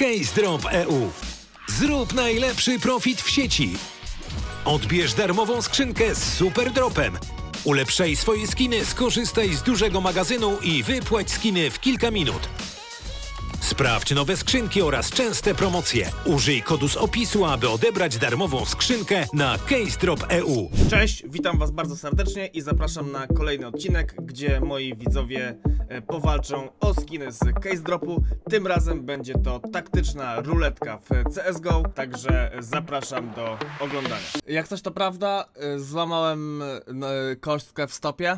CaseDrop EU. Zrób najlepszy profit w sieci. Odbierz darmową skrzynkę z super dropem. Ulepszaj swoje skiny, skorzystaj z dużego magazynu i wypłać skiny w kilka minut. Sprawdź nowe skrzynki oraz częste promocje. Użyj kodu z opisu, aby odebrać darmową skrzynkę na CaseDrop EU. Cześć, witam was bardzo serdecznie i zapraszam na kolejny odcinek, gdzie moi widzowie powalczą o skiny z CaseDropu. Tym razem będzie to taktyczna ruletka w CSGO, także zapraszam do oglądania. Jak coś to prawda, złamałem kostkę w stopie,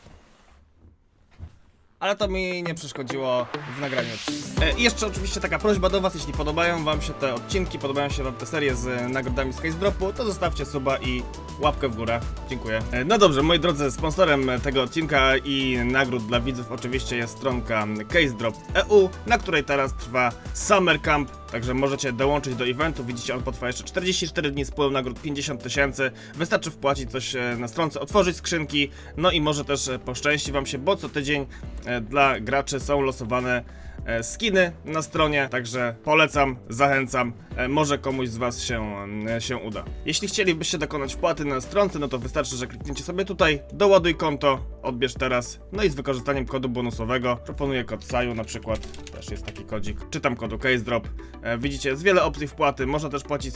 ale to mi nie przeszkodziło w nagraniu odcinka. I jeszcze oczywiście taka prośba do was, jeśli podobają wam się te odcinki, podobają się wam te serie z nagrodami z CaseDropu, to zostawcie suba i łapkę w górę. Dziękuję. No dobrze, moi drodzy, sponsorem tego odcinka i nagród dla widzów oczywiście jest stronka CaseDrop EU, na której teraz trwa Summer Camp. Także możecie dołączyć do eventu, widzicie, on potrwa jeszcze 44 dni z pulą nagród 50 000. Wystarczy wpłacić coś na stronce, otworzyć skrzynki, no i może też poszczęści wam się, bo co tydzień dla graczy są losowane skiny na stronie, także polecam, zachęcam, może komuś z was się uda. Jeśli chcielibyście dokonać wpłaty na stronce, no to wystarczy, że klikniecie sobie tutaj, doładuj konto, odbierz teraz, no i z wykorzystaniem kodu bonusowego, proponuję kod SAJU na przykład, też jest taki kodzik, czy tam kodu CaseDrop. Widzicie, jest wiele opcji wpłaty, można też płacić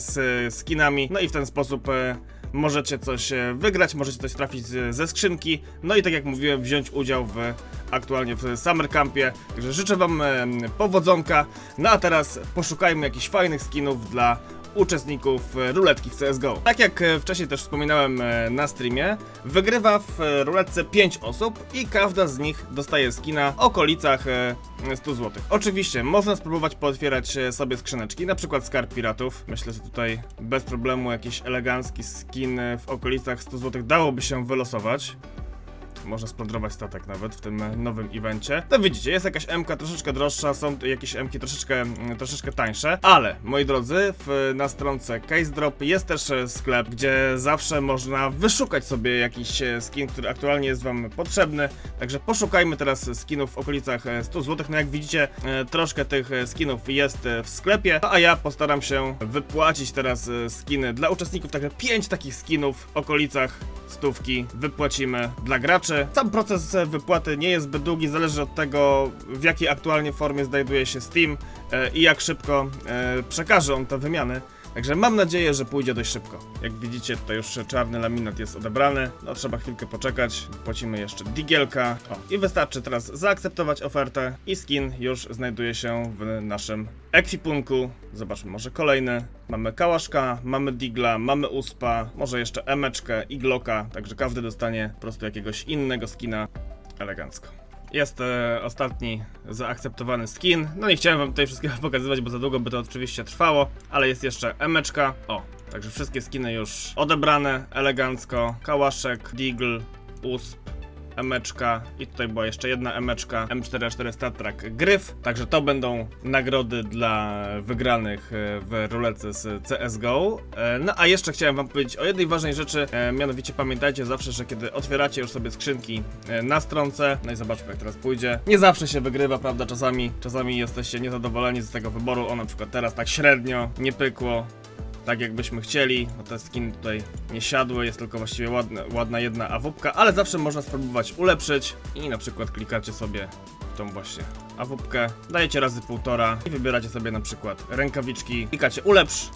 z skinami, no i w ten sposób możecie coś wygrać, możecie coś trafić ze skrzynki, no i tak jak mówiłem, wziąć udział aktualnie w Summer Campie, także życzę wam powodzonka. No a teraz poszukajmy jakichś fajnych skinów dla uczestników ruletki w CSGO. Tak jak wcześniej też wspominałem na streamie, wygrywa w ruletce 5 osób i każda z nich dostaje skina w okolicach 100 zł. Oczywiście można spróbować pootwierać sobie skrzyneczki, na przykład Skarb Piratów. Myślę, że tutaj bez problemu jakiś elegancki skin w okolicach 100 zł dałoby się wylosować. Można splądrować statek nawet w tym nowym evencie. To widzicie, jest jakaś MK troszeczkę droższa, są jakieś MK troszeczkę tańsze, ale moi drodzy, na stronce CaseDrop jest też sklep, gdzie zawsze można wyszukać sobie jakiś skin, który aktualnie jest wam potrzebny. Także poszukajmy teraz skinów w okolicach 100 zł. No jak widzicie, troszkę tych skinów jest w sklepie, a ja postaram się wypłacić teraz skiny dla uczestników, także 5 takich skinów w okolicach stówki wypłacimy dla graczy. Sam proces wypłaty nie jest zbyt długi, zależy od tego, w jakiej aktualnie formie znajduje się Steam i jak szybko przekaże on te wymiany. Także mam nadzieję, że pójdzie dość szybko. Jak widzicie, tutaj już czarny laminat jest odebrany. No trzeba chwilkę poczekać. Płacimy jeszcze digielka. I wystarczy teraz zaakceptować ofertę i skin już znajduje się w naszym ekwipunku. Zobaczmy może kolejny. Mamy kałaszka, mamy digla, mamy uspa, może jeszcze emeczkę i glocka. Także każdy dostanie po prostu jakiegoś innego skina elegancko. Jest ostatni zaakceptowany skin. No nie chciałem wam tutaj wszystkiego pokazywać, bo za długo by to oczywiście trwało, ale jest jeszcze emeczka. O, także wszystkie skiny już odebrane elegancko. Kałaszek, Deagle, usp, emeczka i tutaj była jeszcze jedna emeczka M4A4 StatTrak Gryf. Także to będą nagrody dla wygranych w ruletce z CSGO. No a jeszcze chciałem wam powiedzieć o jednej ważnej rzeczy, mianowicie pamiętajcie zawsze, że kiedy otwieracie już sobie skrzynki na stronce, no i zobaczmy jak teraz pójdzie, nie zawsze się wygrywa, prawda, czasami jesteście niezadowoleni z tego wyboru, o na przykład teraz tak średnio, nie pykło tak jakbyśmy chcieli, bo te skiny tutaj nie siadły, jest tylko właściwie ładna jedna awupka, ale zawsze można spróbować ulepszyć i na przykład klikacie sobie w tą właśnie awupkę, dajecie razy 1,5 i wybieracie sobie na przykład rękawiczki, klikacie ulepsz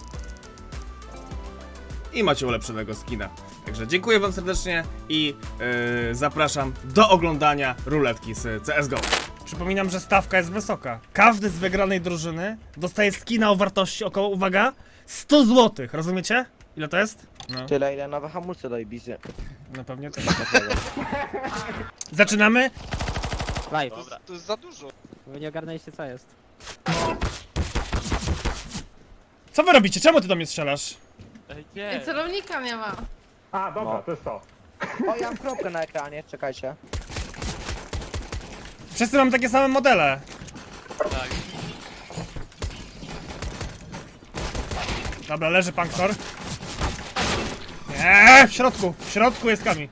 i macie ulepszonego skina. Także dziękuję wam serdecznie i zapraszam do oglądania ruletki z CSGO. Przypominam, że stawka jest wysoka. Każdy z wygranej drużyny dostaje skina o wartości około, uwaga, 100 zł. Rozumiecie? Ile to jest? No, Tyle ile nowe hamulce do Ibisy. no pewnie tak. Zaczynamy? Live. To jest za dużo. Wy nie ogarnęliście co jest. Co wy robicie? Czemu ty do mnie strzelasz? Nie. Celownika nie ma. A, dobra, No. to jest to. O, ja mam kropkę na ekranie, czekajcie. Wszyscy mamy takie same modele. Tak. Dobra, leży Pankor. Nie, w środku jest Kami.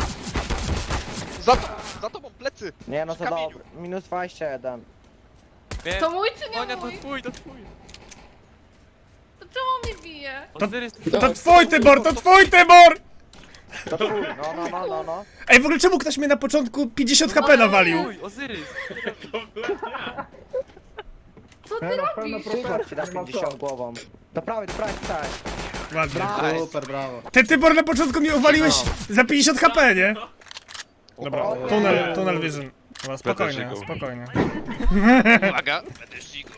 Za tobą plecy. Nie no, to Przy kamieniu. dobra. Minus 21. Wiem. To mój czy nie Monia, to mój? twój, to twój. To czemu mnie bije? Ozyrys, To twój Tybor, to twój Tybor! To twój, no. Ej, w ogóle czemu ktoś mnie na początku 50 HP nawalił? twój, Ozyrys. Co ty robisz? Tybor ci da 50 głową. Do prawej, tak. Ładnie. Super, brawo. Ty Tybor na początku mnie uwaliłeś za 50 HP, nie? Dobra, tunnel vision. Dobra, spokojnie, spokojnie. Uwaga, będę ścigał.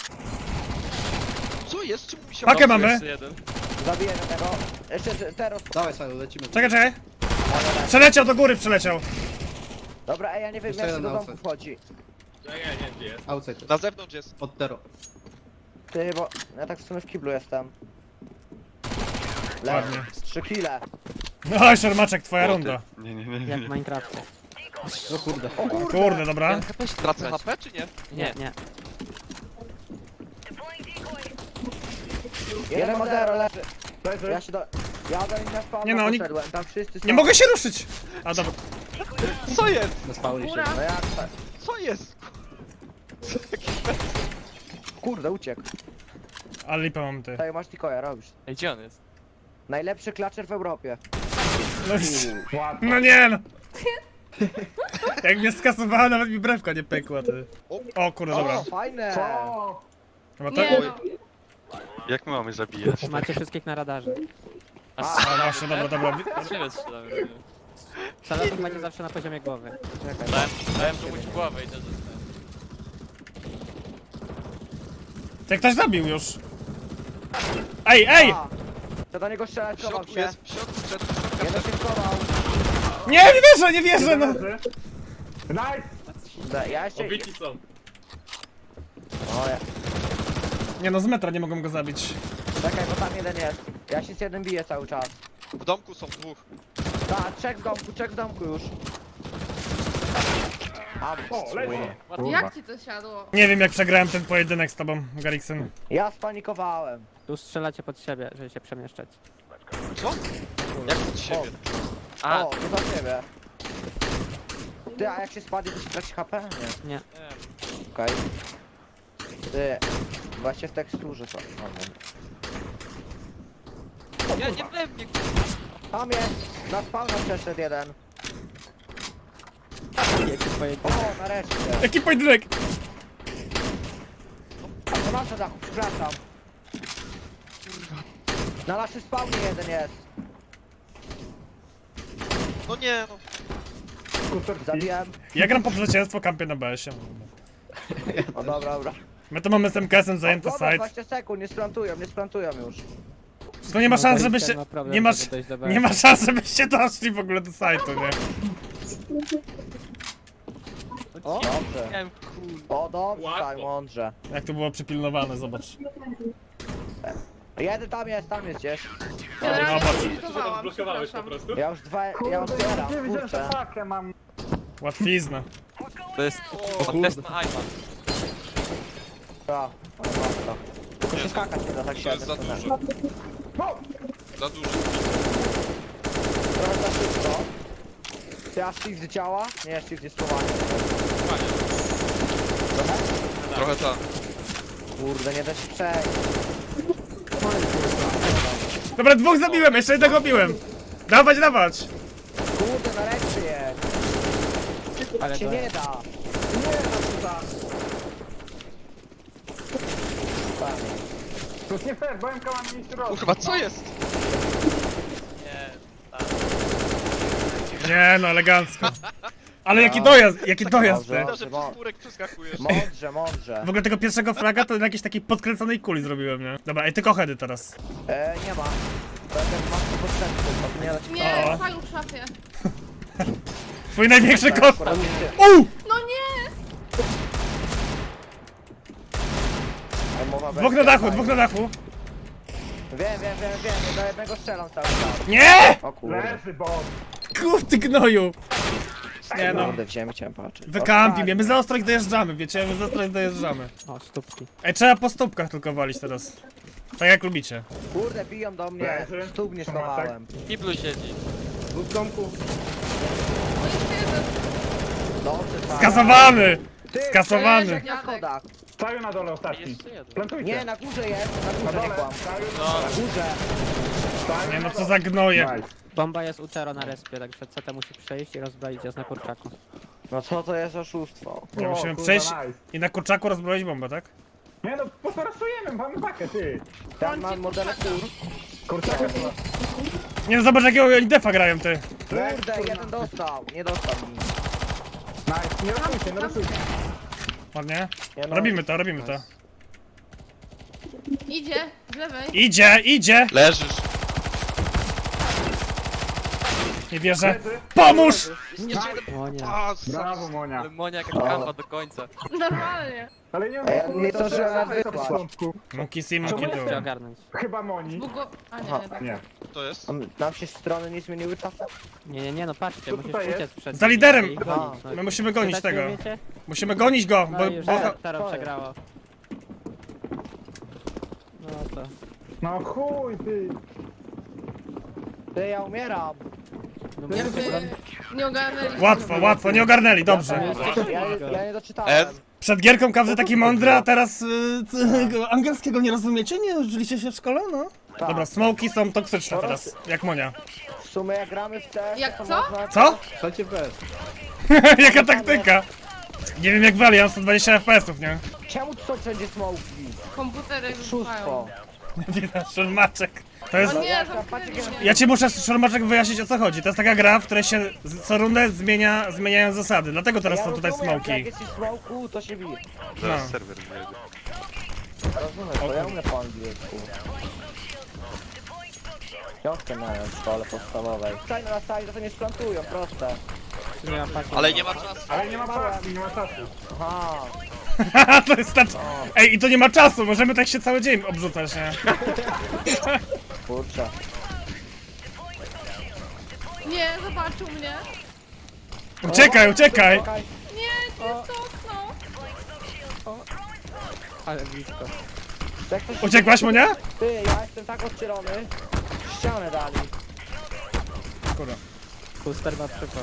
Co jest? Czemu mi się... Pakę mamy. Jeszcze jeden. Zabiję jednego. Jeszcze teraz. Dawaj, Saju, lecimy. Czekaj. Przeleciał do góry, przeleciał. Dobra, ej, ja nie wiem Jeszcze jak się jeden do outside. domku wchodzi. Outside. Na zewnątrz jest. Od Tero. Ty, bo ja tak w sumie w kiblu jestem. Ładnie. 3 kile. No, Szermaczek, twoja runda. Jak w Minecrafcie. O kurde. Kurde, dobra. Tracę HP czy nie? Nie. Jeden ma 0, leży. Ja się do... Ja do nich na spawn Nie no, oni- poszedłem, tam wszyscy są. Nie mogę się ruszyć! A dobra. Co jest? Na spawnie się. Góra. No jak tak? Co jest? Kurde, uciekł. Ale lipa mam ty. Tutaj masz Tikoja, robisz. Ej, gdzie on jest? Najlepszy klaczer w Europie. No, no nie no. Jak mnie skasowała, nawet mi brewka nie pękła, ty. O kurde, dobra. O, fajne! Chyba Nie to... no. Jak my mamy zabijać? Macie wszystkich na radarze. A właśnie, dobra. Ciebie strzelałem. Salatów macie zawsze na poziomie głowy. Czekaj. Dałem komuś głowę i to zostałem. Cię ktoś zabił już. Ej! A, to do niego strzelać, W chował środku się. jest, w środku wszedł, w środku Jeden się schował. Nie wierzę, no. Ja jeszcze... są. O, ja... Nie no, z metra nie mogą go zabić. Czekaj, bo tam jeden jest. Ja się z jednym biję cały czas. W domku są dwóch. Tak, trzech w domku już. A, Jak ci to siadło? Nie wiem jak przegrałem ten pojedynek z tobą, Garriksen. ja spanikowałem. Tu strzelacie pod siebie, żeby się przemieszczać. Co? Jak od siebie? A, O, to za ciebie. Ty, a jak się spadnie, to się traci HP? Nie. Nie. Okej. Ty, właśnie w teksturze są. nie we mnie. Tam jest! Na spawna przeszedł jeden. Jakie twoje... O, nareszcie. Jaki pojedynek? To nasze dachu, przepraszam. Na naszym spawnie jeden jest. No nie, no. Zabiłem. Ja gram po zwycięstwo, kampię na BS-ie. O, dobra. My tu mamy z MKS-em zajęty Dobra, site. 20 sekund, nie splantują już. To nie ma szans, Garriksen żebyście... ma problem, Nie ma, żeby dojść do nie ma szans, żebyście doszli w ogóle do sajtu, nie? O, dobrze. Miałem kul. O, dobrze, tak, mądrze. Jak to było przypilnowane, zobacz. Jeden tam jest gdzieś. Generalnie zobacz. zbudowałam, przepraszam. Ja już zbieram, kurczę. Łatwizna. To jest test na iPad. Dobra, tylko się skakać nie da, tak To się jest za dużo. Za dużo. Trochę za szybko. Ty, a shift działa? Nie, shift jest schowany. Trochę? Trochę tak. Kurde, nie da się przejść. Dobra, dwóch zabiłem, jeszcze jednego biłem. Dawać! Kurde, nareszcie jest. Ale Się to... nie da. Kurwa, co jest? Nie no, elegancko. Ale jaki dojazd, ty. Dobrze. To, że przez murek przeskakujesz. Mądrze. W ogóle tego pierwszego fraga to na jakiejś takiej podkręconej kuli zrobiłem, nie? Dobra, ej, tylko heady teraz. Nie ma. To ten mam tu potrzebny, to nie da ci Nie, O. Saju w szafie. Twój największy kot! akurat nie. No nie! Ej, mowa Dwóch na dachu. Wiem, do jednego strzelam cały czas. Nie! O kurde. Ty gnoju! Nie no. Kurde, chciałem patrzeć. Wykampi mnie, my za ostro ich dojeżdżamy, wiecie? My za ostro ich dojeżdżamy. O, stópki. Ej, trzeba po stópkach tylko walić teraz. Tak jak lubicie. Kurde, biją do mnie. Stóp nie schowałem. W kiblu siedzi. W domku. No jeszcze jeden. Dobrze, tak. Skazowany! Ty, Skasowany. przejeżdżaj na schodach. Saju na dole ostatni. Jeszcze jeden. Plantujcie. Nie, na górze jest, na na górze nie dole. kłam. Saju Na górze. Nie no, co za gnoje. Nice. Bomba jest u Tero na respie, także CT musi przejść i rozbroić ją na kurczaku. No co to jest oszustwo? Nie, O, musimy kurwa, przejść nice. i na kurczaku rozbroić bombę, tak? Nie no, posorasujemy, mamy pakę, ty. Tam mam modele kur. Kurczaka to... Nie no, zobacz jakiego oni defa grają, ty. Kurde, jeden dostał. Nie dostał mi. Nice, nie rasujcie, nie rasujcie. Ładnie. Nie no. Robimy to, robimy to. Idzie, z lewej. Idzie, idzie! Leżysz. Nie wierzę. Pomóż! Jeszcze jeden. O nie. A, Brawo, Monia. Ale Monia jaka kamba do końca. Normalnie. Ale nie Ja nie to zdążyłem trzeba nawet na wysłać. początku. Monkey see, Czemu monkey Muszę do. ogarnąć. Chyba Moni. Bugo... A nie, Aha. nie, tak. Nie. To jest? Nam się strony nie zmieniły czasem? Nie, no patrzcie, Co musisz tutaj jest? uciec przed Za nimi liderem. i gonić, no. My musimy gonić Czytać nie tego. umiecie? Musimy gonić go, No bo... i już bo... Tero przegrało. No to... No chuj, ty. Ty, ja umieram. No Jakby mówię, nie ogarnęli. Łatwo, łatwo, nie ogarnęli, dobrze. Ja nie doczytałem. Przed gierką każdy taki mądry, a teraz angielskiego nie rozumiecie? Nie uczyliście się w szkole? No. Tak. Dobra, smoki są toksyczne teraz, jak Monia. W sumie jak gramy w te... Jak to co? można- Co? Jaka taktyka? Nie wiem jak wali, ja mam 120 FPS-ów, nie? Czemu tu są wszędzie smoki? Komputery Oszustwo. wybuchają. Widać, szormaczek. To jest... O nie, Ja zamknęli patrzę, mnie. Ja ci muszę, szormaczek, wyjaśnić o co chodzi. To jest taka gra, w której się co rundę zmieniają zasady, dlatego teraz Ja są tutaj rozumiem, smoki. Jak jest w smoku, to się bije. Zaraz No. serwer wyjedzie. Rozumiem, to ja umiem po angielsku. Piątkę miałem w szkole podstawowej. Staj na staj, to nie splantują, proste. nie mam patrzeć. Ale nie ma czasu. Ale nie ma czasu, nie ma czasu. Aha. Haha, to jest tak... Ej, i to nie ma czasu, możemy tak się cały dzień obrzucać, nie? Kurczę. Nie, zobaczył mnie. Uciekaj, uciekaj! Nie, to jest to okno. Ale blisko. Jak ktoś... Uciekłaś, Monia? Ty, ja jestem tak odcielony. Ścianę dali. Kurwa. Puster ma przypał.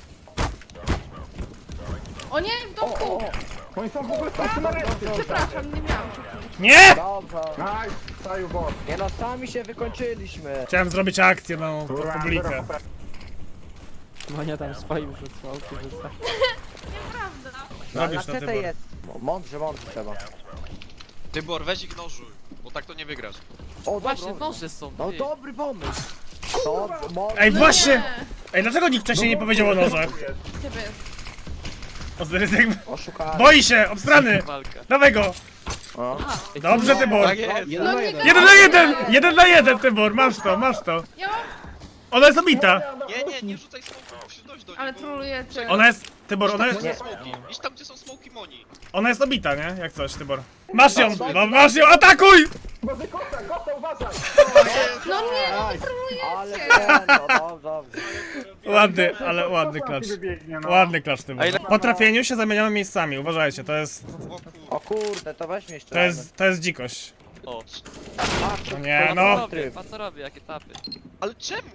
O nie, w O, domku. o, Oni są w ogóle wszyscy na reszcie. Przepraszam, nie miałam. Nie! dobrze. Nice, Saju bot. Nie no, sami się wykończyliśmy. Chciałem zrobić akcję, no, pod Kurwa, publikę. zero HP. Monia tam swoim rzucał, rzuca. Nieprawda. No, na Robisz to, CT Tybor. jest. Mądrze trzeba. Tybor, weź ich nożuj, bo tak to nie wygrasz. O, Właśnie, dobra. noże są. No ty. dobry pomysł. Dobrze, mądrze. Ej, No właśnie! nie. Ej, dlaczego nikt wcześniej nie powiedział o nożach? Ciebie jest. Ozyrys jakby... Oszukałem. Boi się, obstrany! Walka. Dawaj go! O. Dobrze, Tybor! Tak jest. No nie 1 na 1! 1 na 1, Tybor, masz to, masz to. Ja mam... Ona jest obita! Nie rzucaj smoku, musisz dojść do nich. Ale bo- trolujecie. Ona jest... Tybor, ona jest... Gdzie są smoki? Idź tam, gdzie są smoki Moni. Ona jest obita, nie? Jak coś, Tybor. Masz ją! No, masz ją, atakuj! Boże, kota, uważaj. No nie, no wy trolujecie. Ale nie, no dobrze. Ładny, ale ładny Kota klacz. ci wybiegnie, no. Ładny klacz, Tybor. A ile- Po trafieniu się zamieniamy miejscami, uważajcie, to jest... O kur... O kurde, to weź mnie jeszcze. To jest dzikość. O. No nie, no. A co robię, jakie tapy? Ale czemu?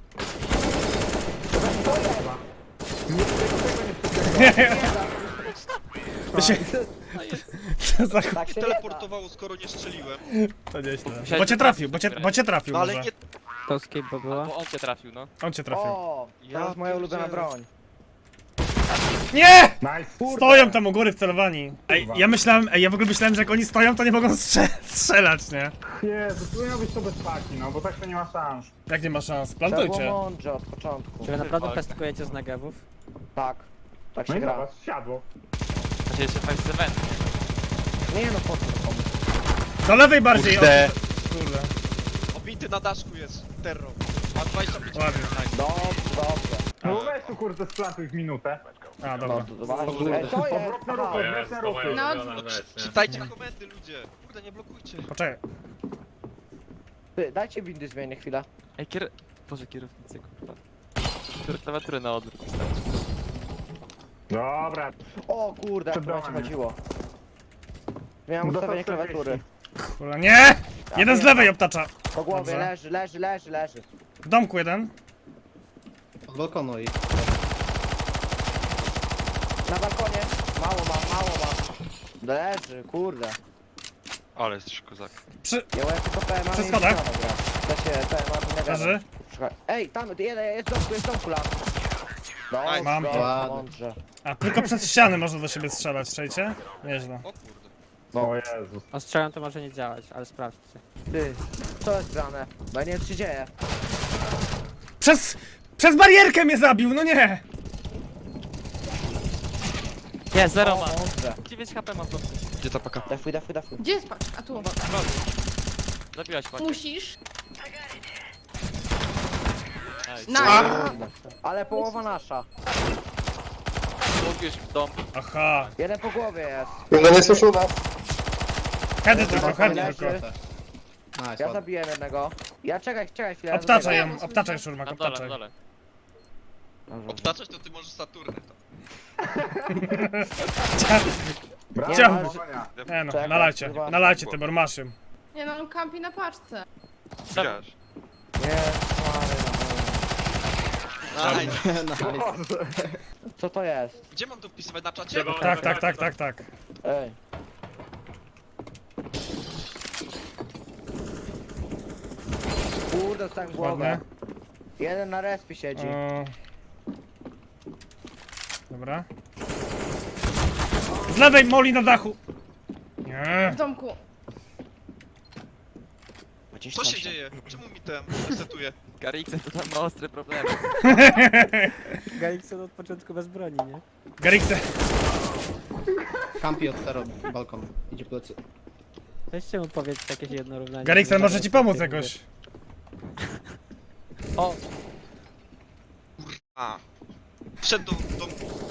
To się... Co za... Tak się nie da. Teleportowało, skoro nie strzeliłem. To nieźle. Bo cię trafił, bo cię trafił No ale może. nie... To skip bo była. Bo on cię trafił, no. On cię trafił. O, teraz moja ulubiona broń. Nie! Nice. Stoją tam u góry wcelowani. Ej, ja w ogóle myślałem, że jak oni stoją, to nie mogą strzelać, nie? Jezu, powinno być to bez paki, no, bo tak to nie ma szans. Jak nie ma szans? Trzeba było Plantujcie. mądrze od początku. Czy wy naprawdę pestkujecie z nagewów? Tak. Tak No się i gra. zobacz, siadło. Znaczy jeszcze 5 event. Nie no, po co komu? Do lewej bardziej. Kurde. Kurde. Obity na daszku jest terror. Ma 25 Ładnie. nice. Dobrze. No weź tu kurde splantuj w minutę. A, No, dobra. to właśnie. Ej, co jest? Odwrotne ruchy, odwrotne ruchy. No, Czytajcie komendy, ludzie. Kurde, nie blokujcie. Poczekaj. Ty, dajcie windy zmienię chwilę. Ej, Boże, kierownicy, kurwa. Klawiaturę na odwrót wystarczy. Dobra. O kurde, jak Przed to będzie domem. chodziło. Miałem Dostał ustawienie 40. klawiatury. Kurwa, nie! Jeden z lewej obtacza. Po głowie Dobrze. leży. W domku jeden. Na balkonie. mało ma. Leży, kurde. Ale jesteś kozak. Ja mam tylko PMA Przy i schodach. Zidana gra. To się PMA nie gra. Leży. Ej, tam, jest domku lam. No, Mam to. mądrze. A tylko przez ściany można do siebie strzelać, strzelicie? Nieźle. O kurde. O Jezus. Ostrzelam to może nie działać, ale sprawdźcie. Ty, co jest grane? Bo ja nie wiem, co się dzieje. Przez barierkę mnie zabił, no nie! Nie, 0 O, ma. mądrze. 9 HP ma to. Gdzie ta paka? Defuj. Gdzie jest patrz? A tu. Zabiłaś pakę. Musisz. Nice. Nice. Ale połowa nasza. Mówisz w dom. Aha. Jeden po głowie jest. No nie słyszał nas. Hedy tylko, hedy Leży. tylko. Ja zabiłem jednego. Ja czekaj chwilę. ja Obtaczaj zabiję. ją, obtaczaj szurmak, Na dole, obtaczaj. na dole. Dobrze. Obtaczać to ty możesz Saturny to. Brawo, Chciałem. Monia. Nie no, Czekaj, nalajcie Tybor, masz ją. Nie no, on kampi na paczce. Widziałeś. Nie, stary, no. Co to jest? Gdzie mam to wpisywać na czacie? Tak. Ej. Kurde, tak w głowę. Ładnie. Jeden na respie siedzi. Dobra. Z lewej Moli na dachu! Nie. W domku. Co się dzieje? Czemu mi ten resetuje? Gariksen to tam ma ostre problemy. Galikson od początku bez broni, nie? Garikse. Kampi od tero, balkon. Idzie plecy. Weźcie mu powiedz jakieś jedno równanie. Gariksen może ci pomóc jakoś. O, A. Wszedł do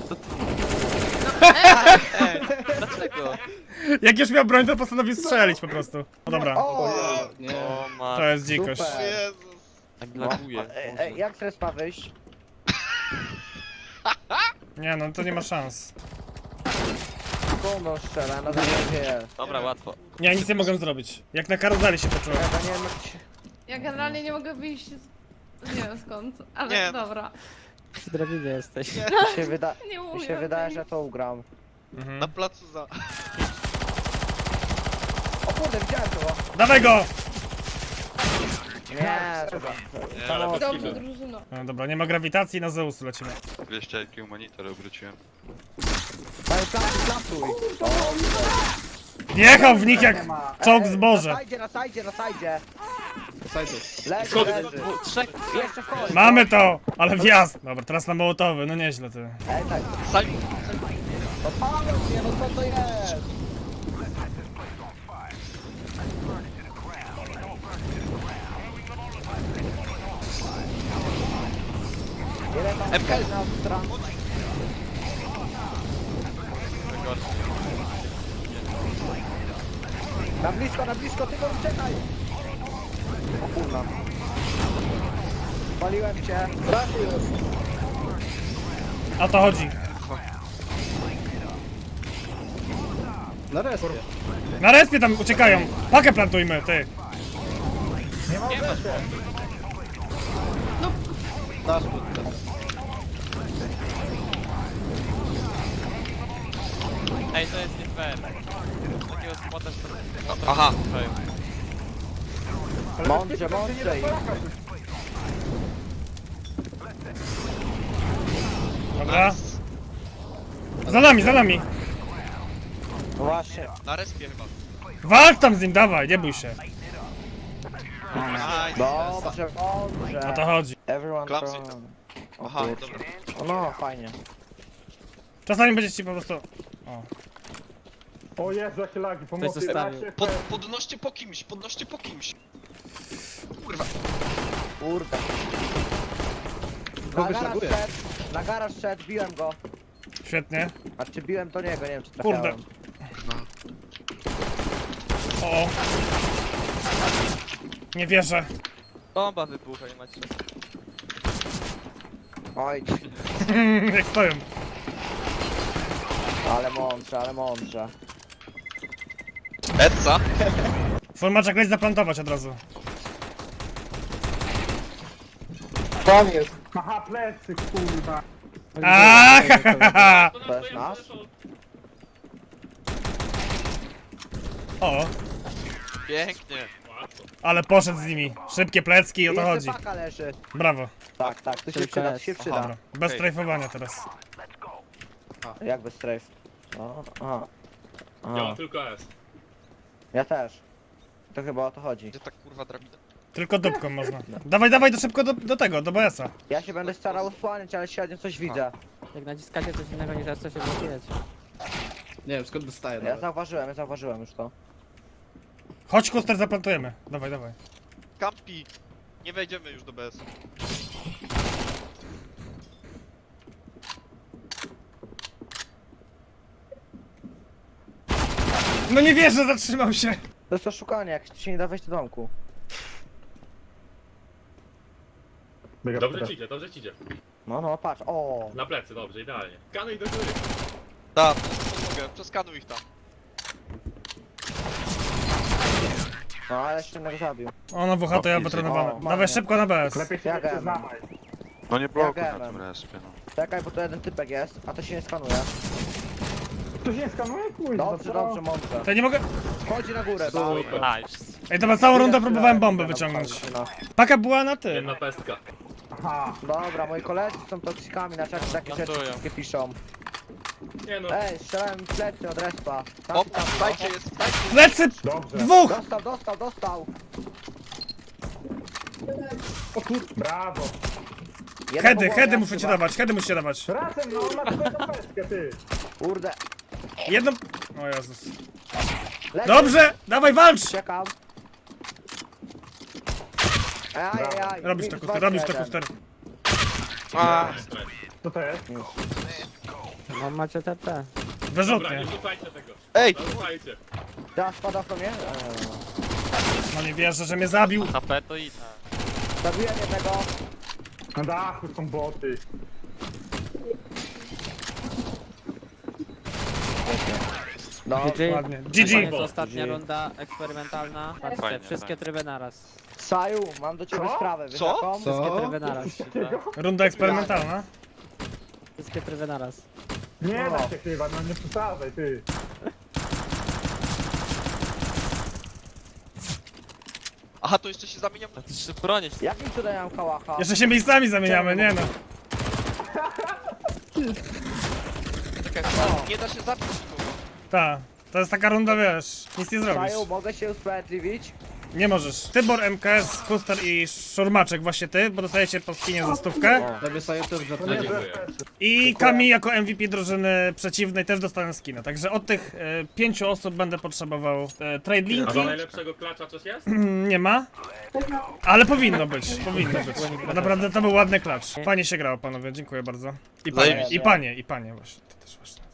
Dlaczego? Jak już miał broń, to postanowił strzelić po prostu. No dobra, O! Nie. O ma. to jest dzikość. Super. Jezus. Tak laguje. Ej, jak z respa wyjść? Nie no, to nie ma szans. Komu strzela, na zasadzie. Dobra, łatwo. Nie, nic nie mogę zrobić. Jak na karuzeli się poczułem. Ja nie wiem jak się... Ja generalnie nie mogę wyjść z... Nie wiem skąd, ale Nie. dobra. przy drabinie jesteś. Mi Nie umiem. mi się wydaje, wyjść. że to ugram. Na placu za... O kurde, widziałem to. Dawaj go! Nie, Nie, ale Dobrze, drużyno. No dobra, nie ma grawitacji, na Zeus lecimy. 200 IQ monitor obróciłem. daj plasuj. Wjechał w nich jak czołg zboże. Na sajdzie. Sajtus. Leży. Trzech. Jeszcze wchodzi. Mamy to! Ale wjazd! Dobra, teraz na mołotowy, no nieźle ty. Ej, tak. Sali... No palą mnie, no co to jest? Jeden tam MK. na stronę. Na blisko, tylko uciekaj! O kurwa. Paliłem cię. O to chodzi. Na respie. Na respie tam uciekają. Pakę plantujmy, ty. Dasz pod Ej, to jest nie fair. Takiego spota Aha. Mądrze. Dobra. Za nami. No właśnie. Na respie chyba. Walcz tam z nim, dawaj, nie bój się. Nice. Dobrze. O to chodzi. Everyone Klapsy from... tam. O Aha, kurczę. dobra. No, fajnie. Czasami będzie ci po prostu... O. O Jezu, jakie lagi, pomocy. zostawił. Podnoście po kimś. Kurwa. Kurde. Kogoś laguje. Na garaż szedł, biłem go. Świetnie. A czy biłem to niego, nie wiem czy trafiałem. Kurde. O. Nie wierzę. Bomba wybucha i macie. Oj, Jak stoją. ale mądrze. Edsa? Formaczek leć zaplantować od razu. Tam jest. Aha, plecy, kurwa. Aaaa, To jest nasz? O, Pięknie. ale poszedł z nimi. Szybkie plecki i o to Jeszcze chodzi. paka leży. Brawo. Tak, tak, to się Tylko przyda, to jest. się przyda. Dobra. Bez strajfowania teraz. Jak bez strafe? O, aha. Ja Aha. tylko S. Ja też. To chyba o to chodzi. Gdzie ta kurwa drabina? Tylko dupką można. Dawaj, dawaj, to szybko do tego, do BS-a. Ja się będę starał osłaniać, ale średnio coś widzę. Jak naciskacie coś innego niż raz, to się blokujecie. Nie wiem, skąd dostaję Ja zauważyłem już to. Chodź, Kuster, zaplantujemy. Dawaj, dawaj. Kampi. Nie wejdziemy już do BS. No nie wierzę, zatrzymał się. To jest oszukanie, jak się nie da wejść do domku. Dobrze ci idzie. No, no, patrz, o. Na plecy, dobrze, idealnie. Kanuj do góry. Tak, mogę. Przeskanuj ich tam. No, ale jeszcze jednego zabił. Ona WH to ja O, wytrenowałem. fajnie. Dawaj szybko na BS. Lepiej się Ja nie gadam. przyznawaj. No nie blokuj na tym respie, no. Czekaj, bo to jeden typek jest, a to się nie skanuje. Tu się skanuje, kurwa. Dobrze, dobrze, mądrze. To ja nie mogę... Chodzi na górę, tak. Nice. Ej, dobra, całą rundę próbowałem bombę wyciągnąć. No. Paka była na tym. Jedna pestka. Aha. Dobra, moi koledzy są toksykami, na czacie takie rzeczy Plantują. wszystkie piszą. Nie no. Ej, strzelałem mi plecy od respa. Tam, O, tam, dajcie jest, dajcie. Plecy! Dobrze. Dwóch! Dostał. Brawo. Jeden Hedy, po głowie, hedy muszę ci chyba. dawać, hedy musicie dawać. Razem, no masz swoją pestkę, ty. Kurde. Jedną... O Jezus. Leci. Dobrze! Dawaj, walcz! Czekam. Aj. Robisz to, Minus Kuster, robisz to, 21. Kuster. A, Co to jest? No macie TP. Wyrzutnie. rzucajcie tego. ej! Rzucajcie. Teraz spada po mnie. No nie wierzę, że mnie zabił. HP to i... Zabiłem jednego. Na dachu są boty. No, GG. Ładnie. To GG. jest ostatnia runda eksperymentalna. Patrzcie, Fajnie, wszystkie fajnie. tryby naraz. Saju, mam do ciebie Co? sprawę, wiesz Co? jaką? Wszystkie tryby naraz. Runda eksperymentalna. Wszystkie tryby naraz. Nie da się chyba, no nie przesadzaj, ty. Aha, to jeszcze się zamieniam. A ty się bronisz. Jakim cudem ja mam kałacha? Jeszcze się miejscami zamieniamy, nie no. Czekaj, nie da się zabić nikogo. Ta. To jest taka runda, wiesz, nic nie zrobisz. Saju, mogę się usprawiedliwić? Nie możesz. Tybor, MKS, Kuster i Szurmaczek, właśnie ty, bo dostajecie po skinie za 100. Tobie sobie też Nie, gratuluję. dziękuję. I Kami jako MVP drużyny przeciwnej też dostanę skina. Także od tych 5 osób będę potrzebował trade linki. najlepszego klacza coś jest? Nie ma. Ale powinno być, powinno być. Bo naprawdę to był ładny klacz. Fajnie się grało, panowie, dziękuję bardzo. I panie, Zajebiście. i panie właśnie, to też ważne.